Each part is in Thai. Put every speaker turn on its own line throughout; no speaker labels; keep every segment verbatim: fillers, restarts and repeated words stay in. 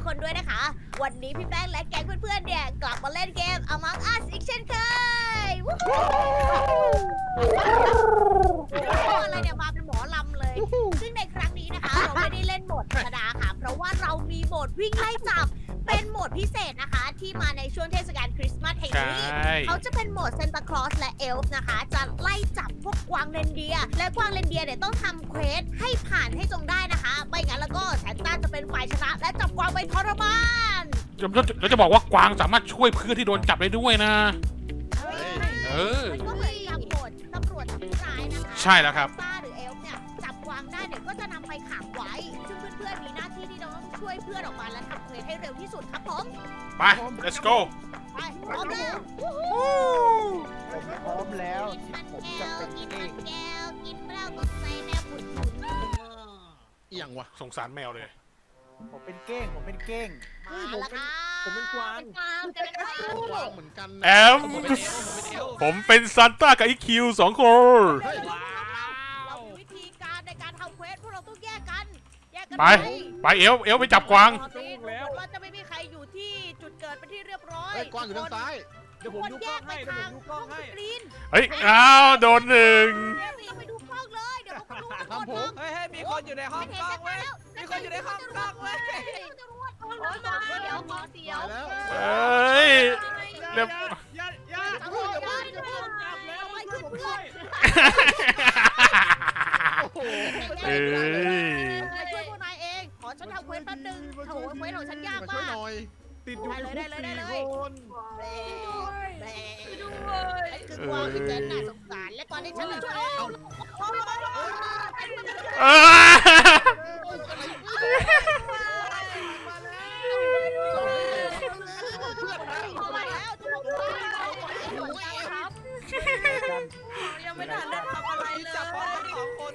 คนด้วยนะคะวันนี้พี่แป้งและแก๊งเพื่อนๆเนี่ยกลับมาเล่นเกม Among Us อีกเช่นเคยวู้ฮู้อะไรเนี่ยมาเป็นหมอลำเลย ซึ่งในครั้งนี้นะคะเราไม่ได้เล่นโหมดธรรมดาค่ะเพราะว่าเรามีโหมดวิ่งไล่จับเป็นโหมดพิเศษนะคะที่มาในช่วงเทศกาลคริสต์มาสแห่งนี้เขาจะเป็นโหมดเซนตาคลอสและเอลฟ์นะคะจะไล่จับพวกกวางเรนเดียร์และกวางเรนเดียร์เนี่ยต้องทำเควสให้ผ่านให้จงได้นะคะไม่งั้นแล้วก็แซนต้าจะเป็นฝ่ายชนะและจับกวางไปทรมาน
เราจะบอกว่ากวางสามารถช่วยเพื่อนที่โดนจับได้ด้วยนะเออ
มันก็เหมือนกับโหมดตำรวจจับผู้ร้ายนะคะ
ใช่แล้วครับ
ซนต้าหรือเอลฟ์เนี่ยจับกวางได้เนี่ยก็จะนำไปขังไว้ซึ่งเพื่อนๆมีหน้าที่ที่ต้องช่วยเพื่อนออกมาและทำเควสให้เร็วที่สุดครับผม
ไป let's go
ไปพร้อมแล้ว
ผมพร้อมแล้ว
กินมัน
ผม
แก้
จะ
ว
เป็น
กิน
เอ
มัน
ง
แก้วกินเหล้าตกใจแม่ผุดผุด
เอียงวะสงสารแมวเลย
ผมเป็นเก้งผมเป็นเก้ง
มาแล้วค่ะ
ผมเป็นกวาง
เป็นกวางจะเป็นกวาง
กวางเหมือนกัน
แอม
ผมเป็นเอลผมเป็นเอล
ผมเป็นซานต้ากับอีคิวสองคน
เรามีวิธีการในการทำเควสพวกเราต้องแยกกันแยกกัน
ไปไปเอลเอลไปจับกวาง
ตอนนี้เราจะไม่มีใครอยู่ที่จุดเกิดเป็นที่เรียบร้อย
เฮ้ยกวางอยู่ทางซ้าย
เดี๋ยวผมดูกล้องให้เดี๋ยวผมดูกล้องให้
กรีน
เฮ้ยอ้าวโดนหนึ่ง
เดี๋ยวเราไปดูกล้องเลยเดี๋ยวเขาก็รู้กันหมด
ทำผม
เฮ้ยเฮ้ยมีคนอยู่ในห้องกล้องเว้ย มีคนอยู่ในห้องกล้องเว้ย
จะรวดโอ้ยมาเดี๋ยวขอเสียว
ตายแล้ว
เฮ้ยเรียบ
อย่าอย่า
จับเลยจับเลยจับแล้วไปขึ้นเพื่อน
โอ้โห
เอ้ย
มาช่วยพวกนายเองขอฉันทำเควสแป๊บนึงโถเควสของฉันยาก
มาช่วย
มาก
หน่อย
ติดอยู่ในคุกสี่คน
แหม่คือกวางที่เจนน่ะสงสารและตอนนี้ฉันมาช่วยเอา
เออ
ยังไม่ทันได้ทำอะไรเลย
จับพร้อมกันสองคน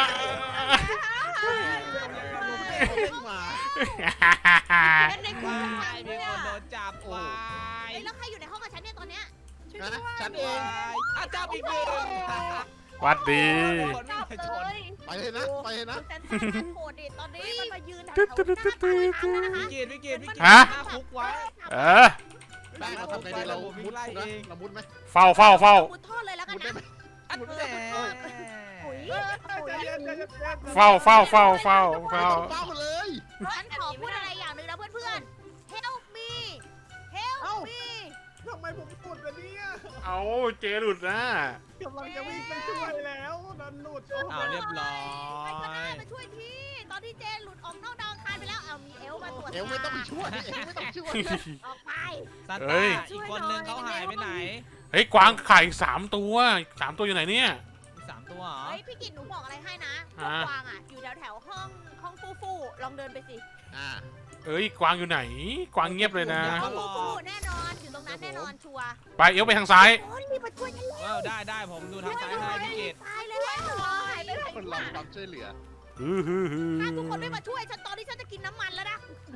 มา
ในคุก
มีคนโดนจับวาย
แล้วใครอยู่ในห้องกับฉันเนี่ยตอนเนี้ย
นะฉันเอง
อาจับอีกหนึ่ง
หวัดดี
คนวิ่งไปชน
ไปเลยนะไปเลยนะ
แต่ถ้าโหดดิตอนนี้มันมายืนแถวๆหน้าบ้านแล้วนะคะ
วิกฤตวิกฤตวิกฤต
ฮะ
หน้าคุกไว้
เออ
แป้งเราทำไงดีเรามุดนะเรามุดไหม
เฝ้าเฝ้าเฝ้า
มุดท่อเลยแล้วกัน
มุดได้
นะ
ไหม
อันแหน
ปุ๋ย
เฝ้าเฝ้าเฝ้าเฝ้าเฝ้า
เฝ้าเลย
ฉันขอพูดอะไรอย่างหนึ่งนะเพื่อนๆ help me help me
ทำไมผมตุ่นแบบนี้
เอาเจหลุดนะ
กำลังจะวิ่งไปช่วยแล้วดันหลุดอ้าวเรียบร้อ
ใครก็ได้
ย
มาช่วยทีตอนที่เจนหลุดออกนอกดาวอังคารไปแล้วเอามีเอลมาตรวจ
เอวไม่ต้องไปช่วยเอวไม่ต้องช่วย
ออกไป
ซาน
เฮ้
ต้าย อีกคนนึงเขาหายไปไหน
เฮ้ยกวางไข่สามตัวสามตัวอยู่ไหนเนี่ย
มีสามตัวเหรอ
เฮ้ยพี่กิตหนูบอกอะไรให้นะพวก
อ่ะ
กวางอ่ะอยู่แถวแถวๆห้องห้องฟูฟูลองเดินไปสิ
อ่า
เอ้ยกวางอยู่ไหน กวางเงียบเลยนะ
ห้องฟูฟูแน่นอนอยู่ตรงนั้นแน่นอนชัวร์
ไปเอวไปทางซ้าย
โอ้ยรีบมาช่วยฉันเลย
ว้าวได้ได้ผมดูทางซ้ายให้พี่เกด
ตายเลยหายไปไหน
คน
วะ
รับความช่วยเหลือ
ฮือฮือฮือ
ถ้าทุกคนไม่มาช่วยฉันตอนนี้ฉันจะกินน้ำมันแล้วนะ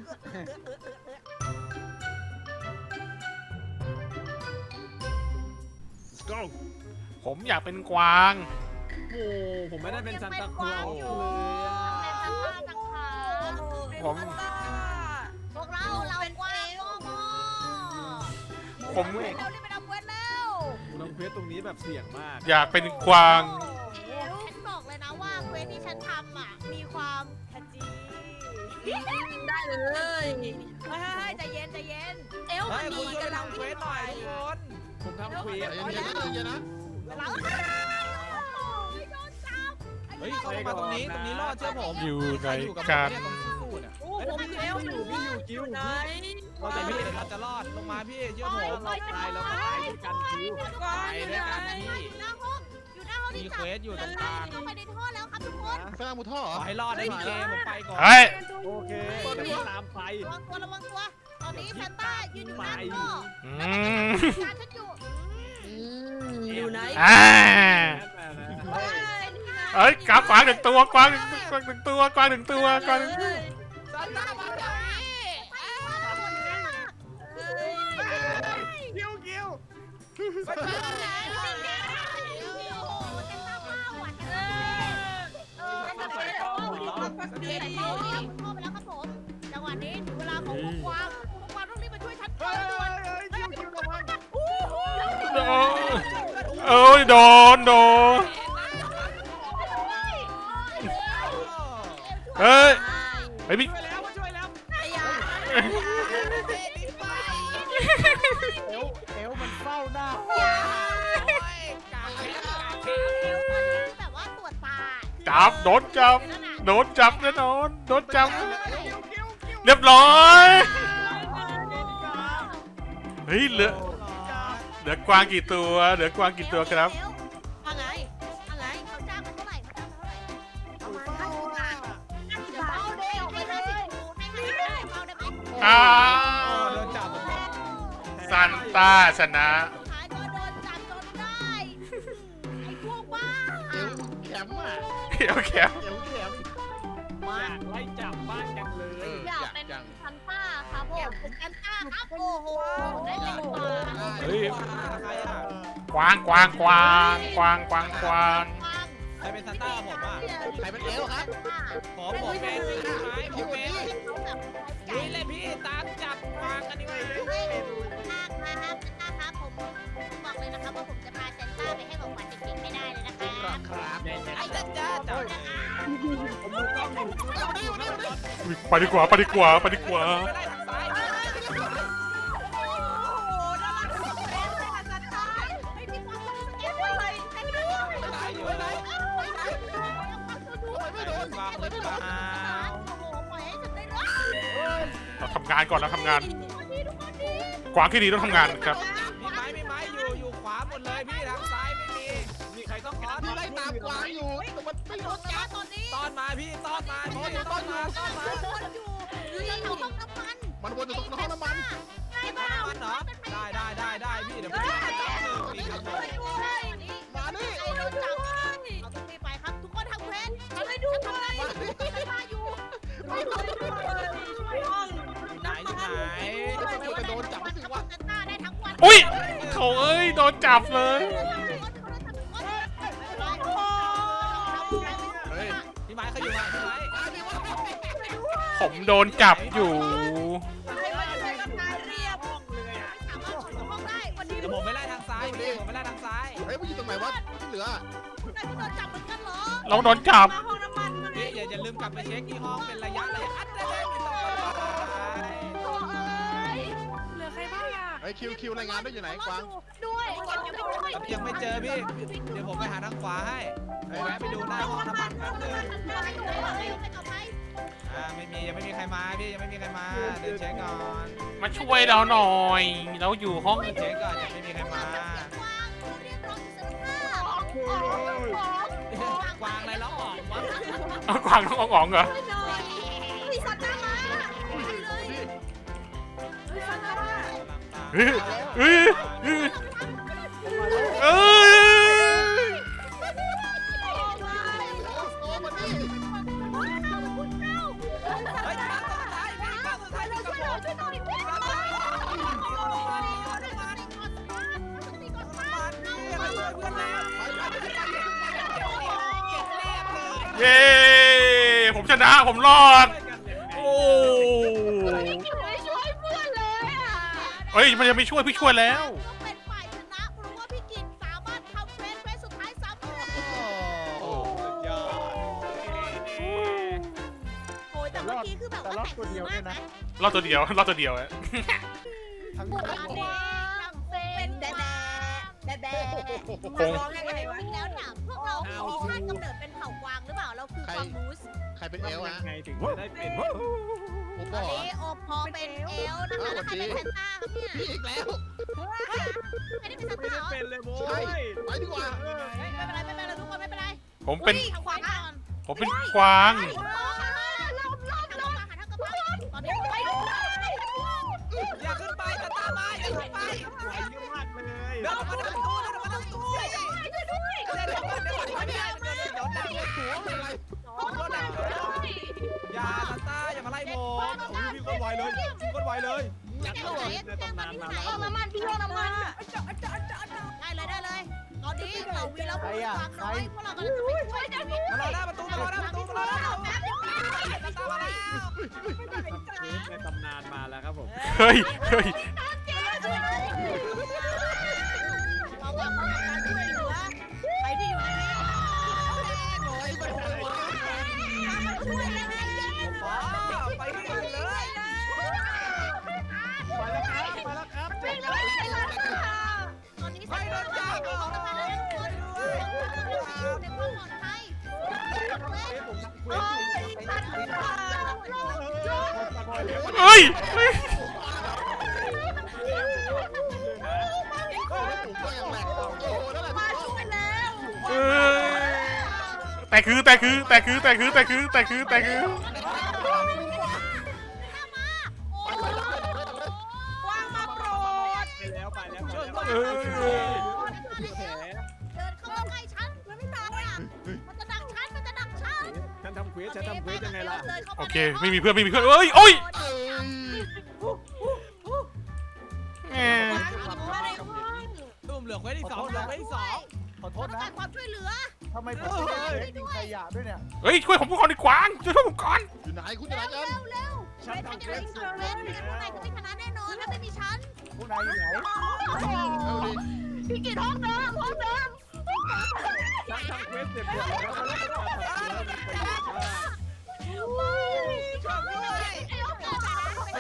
let's go
ผมอยากเป็นกวาง
โอ้ผมไม่ได้เป็นซันตาคลอส
อยู่
เลยอะ
ผม
พวกเราเรากวางโมโม
ผม
เร็วรีบไปทำเวทแล้ว
ลงเพจตรงนี้แบบเสี่ยงมาก
อยากเป็นกวาง
ฉันบอกเลยนะว่าเควสที่ฉันทำอ่ะมีความขจี
ได้เลย
เฮ้ยใจเย็นใจเย็น
เอล
เฮ้
มัน
ยคุณ
ดี
ช่วย
กำลั
ทำ
ง
เควสหน่อยทุกคนผมทำเคว
ใจ
ส
เย็นๆใจเย็นๆนะ
เวลาโดนจับ
เฮ้ยเขามาตรงนี้ตรงนี้รอดเชื่อผม
อยู่ใน
อยู่กับ
การ
ผมเนี่ยตรงสู้ๆเนี่ย
โอ้ผมอยู่เอลมันอยู่อยู่ไหน
เราแต่พี่เราจะรอดลงมาพี่เชื่อผม
เราตายแล้วก็ตายด้วยกันคิว
ไปด้วยกันพี่
อยู่หน้าห้องอยู่หน้าห้อง
มี
ที่
เควสอยู่ตรงกลาง
เข้าไปในท่อแล้วครับทุกคน
แป้งมุดท่อเหร
ข
อ
อให้รอดได้พี่เกมผมไปก่อน
เฮ้ย
โอเคเดี๋ยวตามไป
ระวังตัวระวังตัวตอนนี้แซนต้ายืนอยู่หน้าท่อ
อืม
การฉันอยู่
อยู่ไหน
อ่า
เฮ้ย
เอ้ยกวางหนึ่งตัวกวางหนึ่งกวางหนึ่งตัวกวางหนึ่งตัวกวางหนึ่งตัว
ซานต้ามาจากนี้
คิวคิว
ซานต้ามาแล้วโอ้โหซานต้ามาหวานเลยเออซานต้าไปแล้วเดี๋ยวเข้าไปแล้วครับผมจังหวะนี้ถึงเวลาของโห
เอ้ยโดนโดนเฮ้ยไอ้พี่
ช่วยแล้วมาช่วยแล้ว
ไอ้ยา
เอวเอวมันเฝ้าหน้า
แบบว่าตรวจตา
จับโดนจับโดนจับแน่นอนโดนจับ
กิ้วกิ้วกิ้ว
เรียบร้อยเฮ้ยเหลือเหลือกวางกี่ตัวเหลือกวางกี่ตัวครับ
ว่าไงว่าไง
เขาจ้างมาเท่าไหร่เขาจ้างมาเท่าไหร่
เอามา
เดี๋ยวเอาเด้ให้ห้าสิบคูให้ห้าสิบคูเอาได้ไหม
อ้า
โด
วน
จับ
ซันต้าชนะ
สุดท้ายก็โดนจับจนได้ไอ้พวกบ้า
เอวแข็มอ่ะ
โอเค
เอวแข็ม
อยากไล่จับบ้านจังเลย
อยากเป็นซันต้าครับผมเป็นซันต้าครับโอ้โหได้เลยกว่า
เฮ้ย
ใครอ่ะ
กวางกวางกวางกวางกวางกวาง
ใครเป็นซันต้าผมอ่ะ
ใครเป็นเอวครับ
ผมผมเป็นไม้ผมเป็น
เขาแบบ
นี่เลยพี่ตามจับวางกันดีกว่า
มากนะครับซันต้าครับผมบอกเลยนะครับว่าผมจะพาซันต้าไปให้ของขวัญเด็กๆไม่ได้เลยนะค
ค
รั
รับบ ครับ
ไอ้จ้าจ้าจับ
เอาดิเอาดิเอาดิ
อุ๊ยไปดีกว่าไปดีกว่าไปดีกว่า
ไม่ได้ทางซ้าย
โอ้โหน่ารักสุดเลยซันต้าไม่มีความสุขเก็บไว้เลยใครไม่รู้
ตายอยู่ไหน
ไม่โดนวางหรือเปล่าโอ้โหปล่อยให้ฉันได้รับ
เราทำงานก่อนเราทำงาน กวางที่ดีต้องทำงานครับ
มีไม้มีไม้อยู่อยู่ขวาหมดเลยพี่ทางซ้ายไม่มีมีใครต้องขอ
พี่ไล่ตามกวางอยู่แต่มันไม่โดนจับ
ตอนนี้
ต้อนมาพี่ต้อนมาพี่ต้อนมาต้อนมา
วนอยู่อยู่ในห้องน้ำมัน
มันวนอยู่ตรงห้องน้ำมัน
ใช่เปล่า
มันเหรอได้ได้ได้ได้พี่เดี๋ยวผมจะจับหนึ่งมีครับผม
มานี่
ไอ้โดนจับเราต้องรีบไปครับทุกคนทำเพนทำให้ดูเลยไม่มาอยู่
ห้อง
ไหนอยู่ไหน
จะโดนจับสิวะ
เซนต้าได้ทั้งวัน
อุ้ยโถเอ้ยโดนจับเลย
เฮ้ย
พี่ไม้เขาอยู่ไหนพี่ไม้
ผมโดนจับอยู่
ให้มันเป็นกำนายเรียบ
ห้องเลยอ่ะ
สามารถขนห้องได้วันนี้
เดี๋ยวผมไปไล่ทางซ้ายพี่ผมไปไล่ทางซ้าย
เฮ้ยมันอยู่ตรงไหนวะที่เหลือ
ได้โดนจับเหมือนกันเหรอ
เราโดนจับ
มาห้องน้ำมันมาเล
พี่
ย
อย่าอย่าลืมกลับไปเช็คที่ห้องเป็นระยะระยะอัดได้เลยไม่ต้องไป
โอ้ยเหลือใครบ้างอ่ะ
เฮ้ยคิวคิวรายงานด้วยอยู่ไหนกวาง
ด้วยยังไม่ด้วย
ยังไม่เจอพี่เดี๋ยวผมไปหาทางขวาให้ไปแวะไปดูหน้าห้องน้ำมันแป๊บนึงอ่าไม่มียังไม่มีใครมาพี่ยังไม่มีใครมาเดินเช็คก่อน
มาช่วยเราหน่อยเราอยู่ห้อง
เดินเช็คก่อนยังไม่มีใครมากวางอะไรแล้วออกวะ
เอากวางต้องอ่องๆเหรอ
พี่สัตว์มา
เฮ้ยเฮ้ยเฮ้ยเอ้ย
โอ้มันนี่
เฮ้ยมาสุดท้ายพี่มาสุดท้ายพี่กระโดด
เย้ผมชนะผมรอดโอ้
ช่วยเพื่อนเลยอ่ะ
เฮ้ยมันจะไม่ช่วยพี่ช่วยแล้ว
ต้องเป็นฝ่ายชนะเพราะว่าพี่กินสามารถทำเฟสเฟสสุดท้ายสำเร็จ
โอ้ยอด
โอ้ยแต่เมื่อกี้คือแบบว่าแต่งตัวมากนะ
รอดตัวเดียวรอดตัวเดียวอะ
ทั้ง
โอ้ยเด็กทั้งเป็นแดดแดดแดด
คง
ร้องไงกันวะแล้วเนี่ยพวกเรามีชาติกำเนิดเป็นเผ่ากวางหรือเปล่าเราคือกวางมูส
ใครเป็นเอลฮะ
ไงถึงจะได้เป็น
โอ้
ต
บ
อน
อ
นี้โอปอเป็นเอลนะคะแล้วใครเป็นแซนต้าครับเนี่ย
พี่อีกแล้ว
ไม่ได้เป็นแซน
ไม่
ต้า
ได้
เหรอ
เป็นเลยโว้
ใช่
ย
ไปดีกว่า
ไม่เป็นไรไม่เป็นไรทุกคนไม่เป็นไร
ผมเป็น
ทางขวาก่อน
ผมเป็นกวาง
ลบลบลบหาทางกระเพาะตอนนี้ไปดู
อย่าขึ้นไปตาตามาอย่าขึ้นไป
ไปเยอะมากเลย
เดินมาทางตู้เดินมาทางตู้เดินมาเดินมาเดินมาเดินเดี๋ยวดังเลยหัวเป็นไรอย่าตาตาอย่ามาไล่ผม
มีคนไวเลยมีคนไวเลย
อยากรู้เลยตำนานมาแล้วห้องน้ำมันพี่ห้องน้ำมันได้เลยได้เลยตอนนี้เราวีเราเป็นกวางน้อยพวกเรากำลังจะไปช่วยชีวิต
มารอหน้าประตูมารอหน้าประตูมารอหน้าประตูตาตามาแล้ว
ในตำนานมาแล้วครับผม
เฮ้ยเฮ้ย
เราว่าเขาทำการช่วยเหลือ
เอ้ยเอ้ย
ผมก็ยังแหลกโอ้โหนั่นแหละ
มาช่วยแล้ว
เอ้ยแต่คือแต่คือแต่คือแต่คือแต่คือแต่คือแต่คือ
วางมาโปรด
ไปแล้วไปแล้ว
ช่วย
ไป
ด้วย
แล้ว
เอ้ย
แผล
เดินเข้ามาใกล้ฉันมันไม่ตายอ่ะมันจะดักฉันมันจะดักฉัน
ฉันทำเควสฉันทำเควสยังไงล่ะ
โอเคไม่มีเพื่อนไม่มีเพื่อนเอ้ยโอ้ย
เอ้ย
แหม
วางหัวในห้อง
ตุ้มเหลือเควสที่สองเหลือเควสที่สอง
ขอโท
ต้อ
ษ
ง
นะ
การความช่วยเหลือ
ทำไมผมไม่ได้กินขยะด้วยเนี่ย
เฮ้ยช่วยผมก่อนดิกวางช่วยผมก่อน
อยู่ไหนคุณอยู่ไหน
เร็ว
กัน
เร็วเร็ว
ฉัน
ไม่ทัน
ทำ
จะ
เคว
ได้
ส
เกิดเล่นไม่งั้นพวกนายจะไม่ชนะแน่นอนถ้าไม่มีฉัน
พวกนายอยู่ไหนเอาดิ
พี่กินห้องเดิมห้องเดิม
ฉันทำเควสเสร็จหมดแล้วมาแล้วมาแล้วมาแล้ว
ช่วยด้วย
ไอ้ห้องเดิมอะ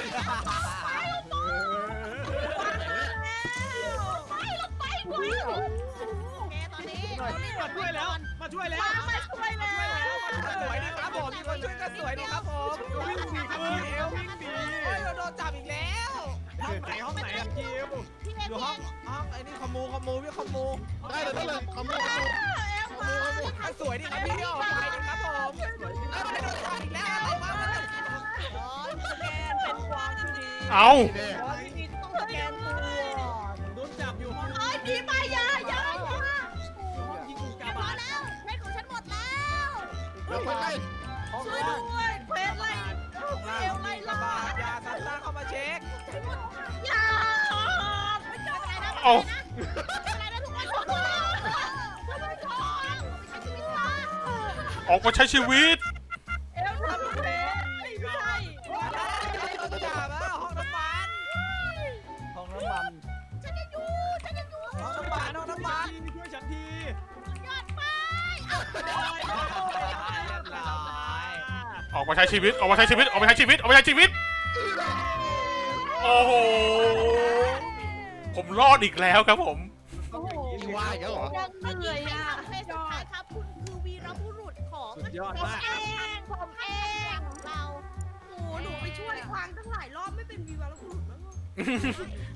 ไปลงไปไปโอเคตอนนี้เราเล่น
มาช่วยแล้วมาช่วยแล้ว
มาช่วยแล้ว
สวยดีครับผมมีคนช่วยก็สวยดีครับผม
วิ่งหนีครับเอววิ่งหนี
โอ้ยเราโดนจับอีกแล้ว
ห้องไหนห้องไหนอะคิว
พี่เม
อยู่
ย์
ห้องห้องไอ้นี่ขโมยขโมยพี่ขโมย
ได้เลยได้เลยขโมยขโมยขโมยขโมย
อ่ะสวยดีครับพี่ออกไปดีครับผมเอ้ยไม่โดนจับอีกแล้วอะไรวะ
สแกนเป็นวางดี
เอา
นี่แน่
พี่นิดต้องสแกนตัว
โดนจับอยู่ห้อง
ไอ้ผีมายาอย่าอย่า
ยิงกูกา
พอบ
าล
แล้วเล่นของฉันหมดแล้ว
เดี๋ยวไปไล่ห้อง
ช่วย
ล่าง
ด้วยเพชรไล่เอวไล่
กระ
ล่า
บาดยาซันต้าเข้ามาเช็ค
อย่า
ไม่เจออะไรนะ
เอา
อะไรนะทุกคนทุกคนไม่ชอบไม่ใช่ชีวิตค่ะ
ออกมาใช้ชีวิต
เอวทำเพชรไม่ใช่
โดนจับแล้วห้องน้ำมัน
ห้องน้ำมัน
ฉันยังอยู่ฉันยังอยู่
ห้องน้ำมันห้องน้ำมัน
ช่วยฉันที
ยอดไป
เรียบร้อย
ออกมาใช้ชีวิตออกมาใช้ชีวิตออกมาใช้ชีวิตออกมาใช้ชีวิตโอ้โหผมรอดอีกแล้วครับผม
โอ้โห
ว่าอีกแล้วเหรอ
ยังเหนื่อยอ่ะ
เฟสสุดท้ายครับคุณคือวีรบุรุษของ
สุดยอด
ผม
มาก
เองผมเองของเรา
โอ้โหหนูไปช่วยควางตั้งหลายรอบไม่เป็นวีวาแล้วบุรุษมั้ง